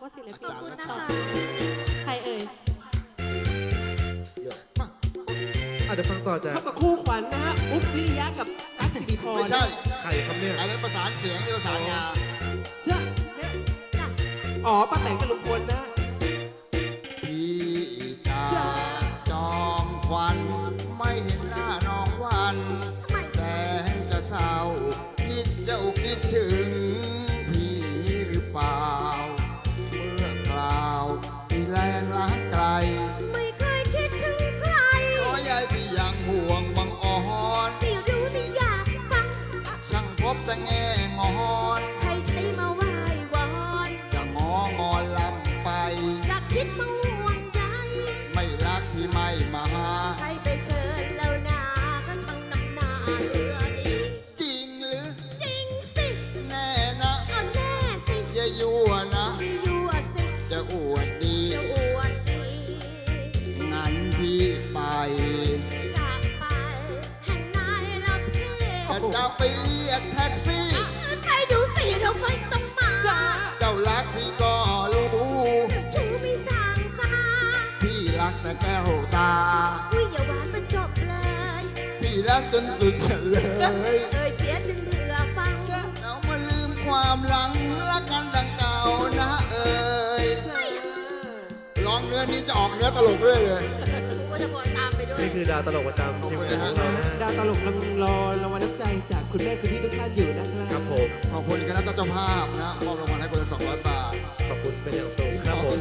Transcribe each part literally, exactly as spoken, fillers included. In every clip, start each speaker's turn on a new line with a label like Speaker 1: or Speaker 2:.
Speaker 1: ว่าศิลปิน
Speaker 2: ขอบคุณนะคะ
Speaker 1: ใครเอ่ย
Speaker 3: เยอะมากอาจจะฟังต่อจาก
Speaker 4: พบกับคู่ขวัญนะฮะอุ๊บวิริยะกับตั๊กสิริพร
Speaker 2: ไม่ใช่
Speaker 3: ใครครับเนี่ย
Speaker 2: อันนั้นประสานเสียงนี่ประสานงา
Speaker 4: เจ้าเนี่ยอ๋อป้าแตนกับลุงพลนะ
Speaker 2: พี่จ๋าจอมควันไม่เห็นหน้าน้องวันแสนจะเศร้าคิดเจ้าคิดถึงพี่หรือเปล่าเมื่อคราวที่แลนรักไกล
Speaker 5: ไม่เคยคิดถึงใคร
Speaker 2: ขอยายพี่ยังห่วงบังอ่อน
Speaker 5: ไม่รู้ไม่อยากฟัง
Speaker 2: ช่างพบแต่แง่งอน
Speaker 5: ใครใช้มาไหว้วอน
Speaker 2: จะงองอนลำไป
Speaker 5: อยากคิดมาห่วงใย
Speaker 2: ไม่รักพี่ไม่มาหา
Speaker 5: ใครไปเชิญแล้วนาก็ช่างน้ำหน้าเรือดี
Speaker 2: จริงหรือ
Speaker 5: จริงสิ
Speaker 2: แน่นะ
Speaker 5: เอาแน่สิ
Speaker 2: อย่ายั่วนะ
Speaker 5: ไม่ยั่วสิ
Speaker 2: จะอวดดี
Speaker 5: จะอวดดี
Speaker 2: งั้นพี่ไป
Speaker 5: จากไปแห่งไหนละพี่
Speaker 2: จะจะไปเรียกแท็กซี่
Speaker 5: ใครดูสิเราไม่ต้องมา
Speaker 2: เจ้ารักพี่ก็รู้
Speaker 5: ชูไม่สร้างสา
Speaker 2: พี่รักแต่แก้วตา
Speaker 5: อุ้ยอย่าหวานมันจบเลย
Speaker 2: พี่รักจนสุดเฉลย
Speaker 5: เอ่ยเสียจนเบื่อฟัง
Speaker 2: เรามาลืมความหลังรักกันดังเก่านะเอ่ย
Speaker 4: จ้า
Speaker 2: ร้องเนื้อนี้จะออกเนื้อตลกเรื่อยเลย
Speaker 5: ก็จะบอยตามไปด้วย
Speaker 3: นี่คือดาวตลกประจำทีมงานของเรานะ
Speaker 4: ดาวตลกกำลังรอรางวัลน้ำใจจากคุณแม่คุณพี่ทุกท่านอยู่นะครับ
Speaker 3: ครับผม
Speaker 2: ขอบคุณคณะเจ้าภาพนะมอบรางวัลให้คนละสองร้อยบาท
Speaker 3: ขอบคุณเป็นอย่างสูงครับผม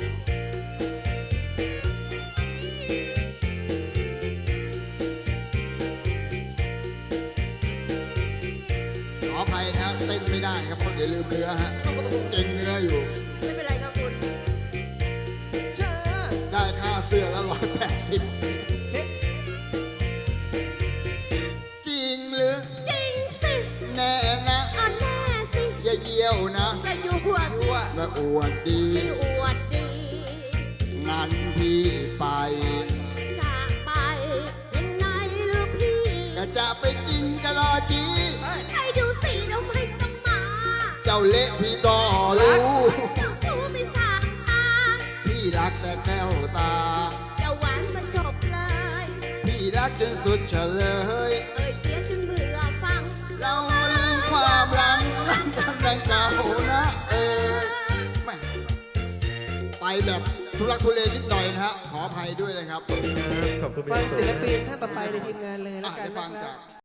Speaker 2: ขออภัยนะเต้นไม่ได้ครับเพราะเดี๋ยวลืมเนื้อฮะเก่งเนื้ออยู่
Speaker 5: ไม่เป็นไรครับคุณ
Speaker 4: จ้า
Speaker 2: ได้ค่าเสื้อละร้อยแปดสิบ
Speaker 4: เฮ้
Speaker 2: จริงหรือ
Speaker 5: จริงสิ
Speaker 2: แน่นะ
Speaker 5: อันแน่สิ
Speaker 2: อย่าเยี่ยวนะ
Speaker 5: อย่าอยู่หัวสิ
Speaker 2: มาอวดดี
Speaker 5: ไม่อวดดี
Speaker 2: งั้นพี่ไป
Speaker 5: จากไปยังไงหรือพี่
Speaker 2: ก็จะไปกินกะลอจี
Speaker 5: ใครดูสิเราไม่ต้องมา
Speaker 2: เจ้าเละพี่ก็รู้
Speaker 5: เจ้าชู้ไม่สางตา
Speaker 2: พี่รักแต่แก้วตา
Speaker 5: อย่าหวานมันจบเลย
Speaker 2: พี่รักจนสุดเฉลย
Speaker 5: เอ่ยเสียจนเบื่อฟัง
Speaker 2: เรามาลืมความหลังรักกันดังเก่านะเออแม่ไปแบบทุลักทุเลนิดหน่อยนะฮะ ขออภัยด้วยนะครับ
Speaker 3: ขอบคุณเป็น
Speaker 4: ฟั
Speaker 3: อง ย่างสู
Speaker 4: ศิ
Speaker 3: ง
Speaker 4: ล
Speaker 3: นะ
Speaker 4: ปินท่านต่อไปในทีมงานเลยแล้ว
Speaker 2: อ่ะ
Speaker 4: กัน
Speaker 2: ได้
Speaker 4: นะ
Speaker 2: ฟัง
Speaker 4: ค
Speaker 2: จา
Speaker 4: รั
Speaker 2: ก
Speaker 4: บ